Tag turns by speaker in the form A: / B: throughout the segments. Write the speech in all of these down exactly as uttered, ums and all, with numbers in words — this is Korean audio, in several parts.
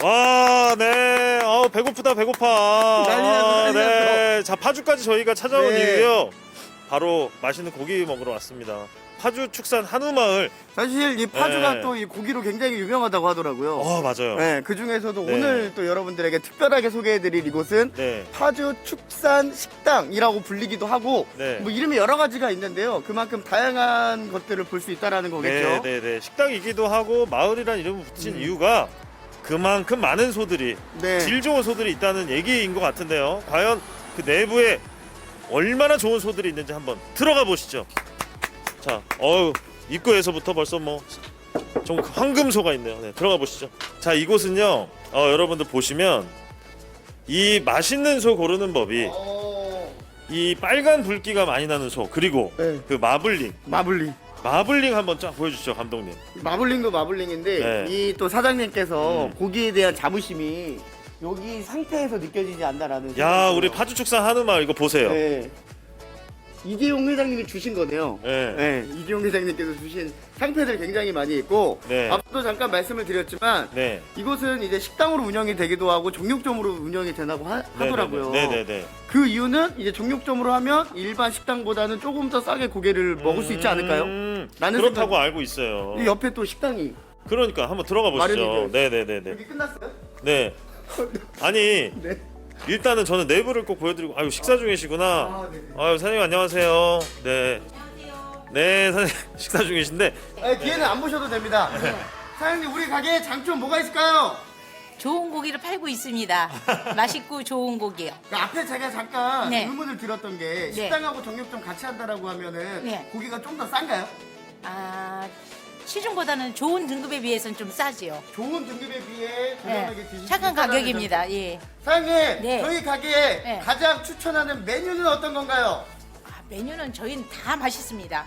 A: 와, 네. 어, 배고프다, 배고파.
B: 난리 났어,
A: 아,
B: 난리
A: 네. 자, 파주까지 저희가 찾아온
B: 네.
A: 이유요. 바로 맛있는 고기 먹으러 왔습니다. 파주 축산 한우마을.
B: 사실 이 파주가
A: 네.
B: 또 이 고기로 굉장히 유명하다고 하더라고요.
A: 어, 맞아요.
B: 네, 그 중에서도
A: 네.
B: 오늘 또 여러분들에게 특별하게 소개해드릴 이곳은
A: 네.
B: 파주 축산 식당이라고 불리기도 하고
A: 네.
B: 뭐 이름이 여러 가지가 있는데요. 그만큼 다양한 것들을 볼 수 있다라는 거겠죠.
A: 네, 네, 네. 식당이기도 하고 마을이라는 이름을 붙인
B: 음.
A: 이유가 그만큼 많은 소들이,
B: 네.
A: 질 좋은 소들이 있다는 얘기인 것 같은데요. 과연 그 내부에 얼마나 좋은 소들이 있는지 한번 들어가 보시죠. 자, 어우, 입구에서부터 벌써 뭐 좀 황금소가 있네요. 네, 들어가 보시죠. 자, 이곳은요, 어, 여러분들 보시면 이 맛있는 소 고르는 법이
B: 어...
A: 이 빨간 불기가 많이 나는 소, 그리고
B: 네.
A: 그 마블링,
B: 마블링.
A: 마블링 한번 쫙 보여주시죠, 감독님.
B: 마블링도 마블링인데
A: 네.
B: 이 또 사장님께서
A: 음.
B: 고기에 대한 자부심이 여기 상태에서 느껴지지 않나라는.
A: 야,
B: 생각이
A: 우리
B: 들어요.
A: 파주 축산 한우마을 이거 보세요.
B: 네. 이재용 회장님이 주신 거네요.
A: 네.
B: 네, 이재용 회장님께서 주신 상패들 굉장히 많이 있고
A: 네.
B: 앞서도 잠깐 말씀을 드렸지만
A: 네.
B: 이곳은 이제 식당으로 운영이 되기도 하고 종육점으로 운영이 되나고 하, 하더라고요.
A: 네네네.
B: 그 이유는 이제 종육점으로 하면 일반 식당보다는 조금 더 싸게 고기를 먹을 수 있지 않을까요?
A: 음,
B: 라는
A: 그렇다고
B: 생각-
A: 알고 있어요.
B: 이 옆에 또 식당이
A: 그러니까 한번 들어가
B: 마련이
A: 보시죠.
B: 되어
A: 네네네네.
B: 여기 끝났어요?
A: 네. 아니,
B: 네.
A: 일단은 저는 내부를 꼭 보여드리고, 아유, 식사 중이시구나.
B: 아, 네.
A: 아유, 사장님 안녕하세요. 네. 네, 사장님 식사 중이신데.
B: 아, 뒤에는 안 보셔도 됩니다. 사장님 우리 가게에 장점 뭐가 있을까요?
C: 좋은 고기를 팔고 있습니다. 맛있고 좋은 고기요.
B: 그 앞에 제가 잠깐
C: 네.
B: 의문을 들었던 게 식당하고 정육점 같이 한다라고 하면은
C: 네.
B: 고기가 좀 더 싼가요?
C: 아, 시중보다는 좋은 등급에 비해서는 좀 싸지요.
B: 좋은 등급에 비해 저렴하게
C: 네.
B: 드실 수
C: 착한
B: 있다라는
C: 가격입니다.
B: 점.
C: 예.
B: 사장님
C: 네.
B: 저희 가게에
C: 네.
B: 가장 추천하는 메뉴는 어떤 건가요?
C: 아, 메뉴는 저희는 다 맛있습니다.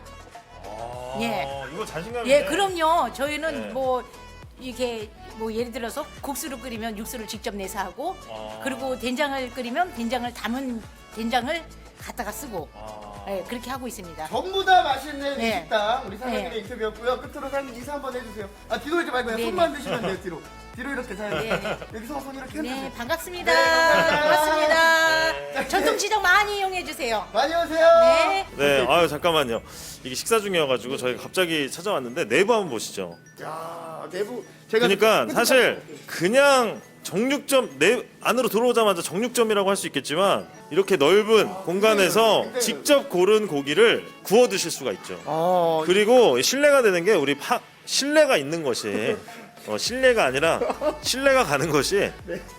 A: 아,
C: 예.
A: 이거 자신감이.
C: 예, 그럼요. 저희는
A: 네.
C: 뭐 이렇게 뭐 예를 들어서 국수를 끓이면 육수를 직접 내서 하고,
A: 아.
C: 그리고 된장을 끓이면 된장을 담은 된장을 갖다가 쓰고,
A: 아.
C: 예, 그렇게 하고 있습니다.
B: 전부 다 맛있는 이
C: 네.
B: 식당 우리 사장님의
C: 네.
B: 인터뷰였고요. 끝으로 사장님 인사 한번 해주세요. 아 뒤로 오지 말고 그냥
C: 네,
B: 손만
C: 네.
B: 드시면 돼요. 뒤로 뒤로 이렇게 사장님.
C: 네, 네.
B: 여기서 손 이렇게
C: 네,
B: 흔드세요.
C: 반갑습니다.
B: 네, 감사합니다.
C: 반갑습니다. 전통시장 많이 이용해 주세요.
B: 많이 오세요.
C: 네.
A: 네, 아유, 잠깐만요. 이게 식사 중이어가지고 저희가 갑자기 찾아왔는데 내부 한번 보시죠.
B: 야 내부 제가
A: 그러니까
B: 끝까지
A: 사실
B: 볼게요.
A: 그냥 정육점 내 안으로 들어오자마자 정육점이라고 할 수 있겠지만 이렇게 넓은 공간에서
B: 굉장히
A: 직접 고른 고기를 구워 드실 수가 있죠.
B: 어,
A: 그리고 신뢰가 되는 게 우리 파 신뢰가 있는 것이 어, 신뢰가 아니라 신뢰가 가는 것이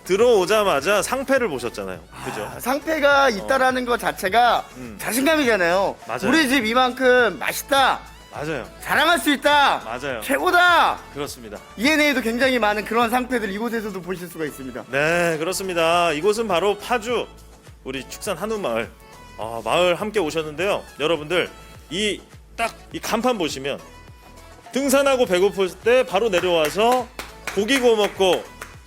A: 들어오자마자 상패를 보셨잖아요. 그죠?
B: 아, 상패가 있다라는 것 자체가
A: 음.
B: 자신감이잖아요.
A: 맞아요.
B: 우리 집 이만큼 맛있다,
A: 맞아요.
B: 자랑할 수 있다,
A: 맞아요.
B: 최고다.
A: 그렇습니다.
B: 이엔에이도 굉장히 많은 그런 상패들 이곳에서도 보실 수가 있습니다.
A: 네, 그렇습니다. 이곳은 바로 파주 우리 축산 한우마을 아, 마을 함께 오셨는데요. 여러분들 이 딱 이 간판 보시면 등산하고 배고플 때 바로 내려와서 고기 구워 먹고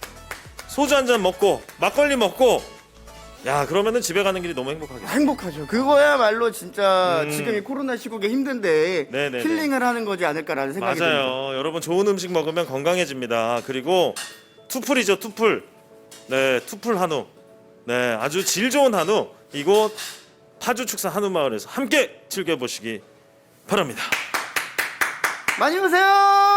A: 소주 한 잔 먹고 막걸리 먹고 야 그러면은 집에 가는 길이 너무 행복하겠어요.
B: 행복하죠. 그거야말로 진짜
A: 음.
B: 지금 이 코로나 시국에 힘든데
A: 네네네.
B: 힐링을 하는 거지 않을까라는 생각이 듭니다.
A: 맞아요. 여러분 좋은 음식 먹으면 건강해집니다. 그리고 투풀이죠, 투풀. 네, 투풀 한우. 네, 아주 질 좋은 한우. 이곳 파주 축산 한우 마을에서 함께 즐겨보시기 바랍니다.
B: 많이 오세요.